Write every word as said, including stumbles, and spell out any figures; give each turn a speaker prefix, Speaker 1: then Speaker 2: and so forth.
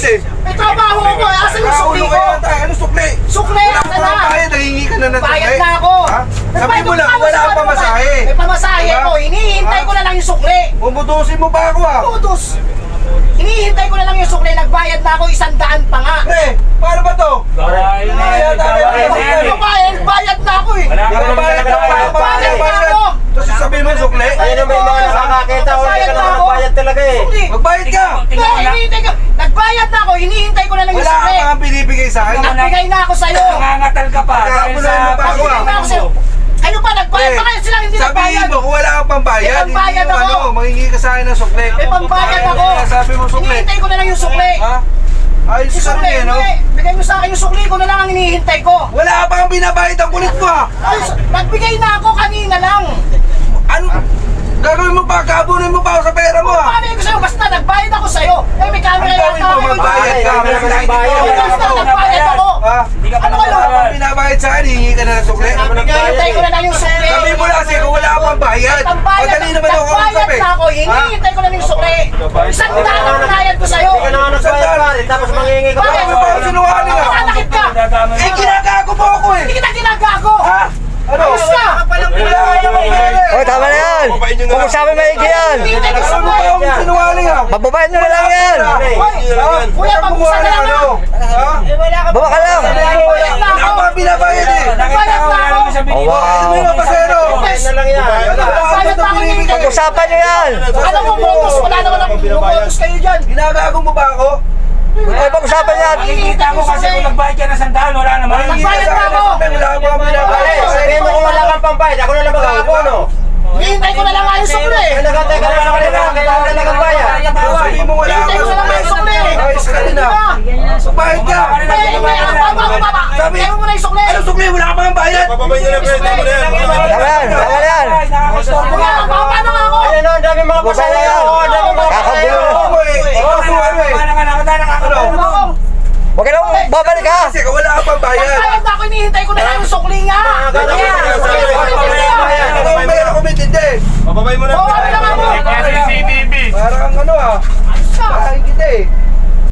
Speaker 1: eh.
Speaker 2: May trabaho ko eh. Asan yung sukli ko?
Speaker 1: Ano sukli?
Speaker 2: Sukli!
Speaker 1: Wala
Speaker 2: Asan
Speaker 1: ka
Speaker 2: na?
Speaker 1: pang bayad, nangingi ka na ng sukli.
Speaker 2: Bayad na ako.
Speaker 1: Ha? Sabi mo lang,
Speaker 2: Nagbayad
Speaker 1: wala
Speaker 2: ako
Speaker 1: kang
Speaker 2: sa
Speaker 1: pamasahe.
Speaker 2: May pamasahe
Speaker 1: Diba?
Speaker 2: ko. Hinihintay
Speaker 1: Ha?
Speaker 2: ko na lang yung sukli.
Speaker 1: Bumutusin mo ba ako ah?
Speaker 2: Putos! Hinihintay ko na lang yung sukli. Nagbayad na ako isang daan pa nga.
Speaker 1: Pre, paano ba to?
Speaker 3: Gawain na yan, gawain na yan.
Speaker 2: Ano bayad? Bayad na ako eh.
Speaker 3: Wala ka naman
Speaker 1: Bayad
Speaker 3: talaga
Speaker 1: ka,
Speaker 3: bayad.
Speaker 1: bayad
Speaker 2: Bayad na ako.
Speaker 1: Tapos sasabihin mo yung sukli?
Speaker 4: Ayun naman yung mga nakakakita ko, hindi ka naman nagbayad talaga eh.
Speaker 2: Sukli.
Speaker 1: Magbayad ka!
Speaker 2: Hindi, hinihintay ko. Nagbayad na ako. Hinihintay ko na lang yung
Speaker 1: Wala ka
Speaker 2: sukli.
Speaker 1: pang binibigay sa akin.
Speaker 2: Nagbigay na ako sa'yo.
Speaker 3: Nangangatal ka pa. Dahil
Speaker 1: Nakakabulay
Speaker 3: sa...
Speaker 1: mo pa ako,
Speaker 2: Nagbigay na ako sa'yo. Ano pa? Nagbayad
Speaker 1: Pre,
Speaker 2: pa kayo silang hindi
Speaker 1: sabihin
Speaker 2: nagbayad.
Speaker 1: mo kung wala kang pambayad,
Speaker 2: May
Speaker 1: hindi
Speaker 2: pambayad
Speaker 1: yung
Speaker 2: ako.
Speaker 1: ano, mangingi ka sa akin ng sukli.
Speaker 2: May pambayad ako.
Speaker 1: Sabi mo sukli.
Speaker 2: Hinihintay ko na lang yung sukli.
Speaker 1: Ha? Ayos
Speaker 2: Yung
Speaker 1: ka
Speaker 2: sukli,
Speaker 1: rin eh, no?
Speaker 2: hindi. Bigay mo sa akin yung sukli ko na lang ang hinihintay ko.
Speaker 1: Wala ka pang binabayad ang kulit mo ah!
Speaker 2: Ay, nagbigay na ako kanina lang.
Speaker 1: Ano? Gagawin mo pa, kabunin mo pa ako sa pera mo ah!
Speaker 2: Paano ko sa'yo? Basta nagbayad ako sa'yo. Eh, may camera
Speaker 1: Ang gawin mo, magbayad ka!
Speaker 4: Ay,
Speaker 1: Basta
Speaker 4: magbayad.
Speaker 2: Oh, basta nagbayad ako.
Speaker 1: Ha?
Speaker 3: Hindi ka pa
Speaker 2: Ano kayo?
Speaker 1: Wala
Speaker 3: nagbayad.
Speaker 1: kang binabayad sa akin, hihingi ka na ng sukli.
Speaker 2: Hinihintay ko na lang yung sukli.
Speaker 1: Sabi mo lang kasi kung wala ka pang bayad.
Speaker 2: Pambayad,
Speaker 1: Madali naman ako
Speaker 2: nagbayad
Speaker 1: kausap eh.
Speaker 2: na ako. Hinihintay ko na lang yung sukli. Isang daan ang binayad ko sa'yo.
Speaker 4: Hindi ka naman nagbayad pa rin, tapos mangingi ka pa.
Speaker 2: Bakit?
Speaker 1: Ano ba ang sinungaling ah?
Speaker 2: Nanakit ka.
Speaker 1: Eh, ginagago mo ako eh!
Speaker 2: Hindi kita ginagago.
Speaker 1: Ha? Ano?
Speaker 2: Ayos ka.
Speaker 1: Wala ka pang pera eh!
Speaker 5: Oh, tama na yan. Kung sabi maigi yan.
Speaker 2: Hinihintay ko yung
Speaker 1: Ano ba
Speaker 2: sukli.
Speaker 1: ang sinungaling ah?
Speaker 5: Pababayad mo na lang yan.
Speaker 2: Hoy, kuya, pag-usa na lang
Speaker 1: ano?
Speaker 2: ha.
Speaker 1: Ha?
Speaker 5: Baba ka lang.
Speaker 2: Nagbayad na
Speaker 1: Wala
Speaker 2: ako.
Speaker 1: ka pang binabayad eh!
Speaker 3: Nakita ko, wala naman sa binibigay.
Speaker 5: Oh, wow.
Speaker 1: Ano yung pasero?
Speaker 4: Ayun na lang yan.
Speaker 1: Wala ka
Speaker 2: Nagbayad na
Speaker 1: pang
Speaker 2: ako.
Speaker 1: binibigay.
Speaker 5: Pag-usapan nyo yan.
Speaker 2: Ano mo, motos? Wala naman akong motos kayo dyan.
Speaker 1: Ginagago mo ba ako?
Speaker 5: Ay, pag-usapan yan.
Speaker 3: Nakikita ko kasi kung nagbayad ka ng sandaan, wala naman.
Speaker 1: Hihingi ka
Speaker 2: Nagbayad
Speaker 1: sa
Speaker 2: na
Speaker 1: akin ng
Speaker 2: ako.
Speaker 1: sukli, wala ka pang
Speaker 4: Pare,
Speaker 1: binabayad.
Speaker 4: sabihin mo kung wala kang pambayad, ako na lang mag-aabono.
Speaker 2: Hinihintay ko na lang nga yung sukli.
Speaker 4: Ay, nagantay ka na sa kanila, kailangan na lang ang bayad.
Speaker 1: Sabi mo wala
Speaker 2: Hinihintay
Speaker 1: ka
Speaker 2: ko na lang yung sukli.
Speaker 1: Ayos ka rin ah! Magbayad ka!
Speaker 2: Eh, may baba, baba.
Speaker 1: Sabi-
Speaker 2: Hinihintay mo na yung sukli.
Speaker 1: Ano sukli? Wala ka pang bayad!
Speaker 6: Papabay niyo na pre, tama na yan.
Speaker 5: Tama yan. Tama yan.
Speaker 3: Nakakastorbo
Speaker 2: Kuya,
Speaker 3: ka.
Speaker 2: baba na nga ako.
Speaker 4: Ayun o, ang dami mga pasaya.
Speaker 5: yan.
Speaker 4: Oo, ang dami mga pasaya.
Speaker 5: Kakagulo.
Speaker 1: Ako eh! Ikaw po ano eh!
Speaker 3: Wala ka nakakita, nakakastorbo.
Speaker 1: Ano?
Speaker 2: Ako.
Speaker 5: Huwag ka lang babalik ha.
Speaker 1: Kasi wala ka pang bayad!
Speaker 2: Nagbayad na ako. Hinihintay ko na lang yung sukli nga.
Speaker 4: Ganun
Speaker 2: Kaya,
Speaker 4: ka,
Speaker 2: sukli
Speaker 4: sukli,
Speaker 2: ko
Speaker 4: sukli,
Speaker 2: hinihintay
Speaker 4: sukli,
Speaker 2: ko.
Speaker 4: sukli.
Speaker 1: Ikaw ang mayroon kumitindi!
Speaker 6: Papabay mo na
Speaker 2: Oo,
Speaker 6: pre.
Speaker 2: ano lang ako.
Speaker 6: C C T V.
Speaker 1: Para kang ano ah! Bahay kita eh!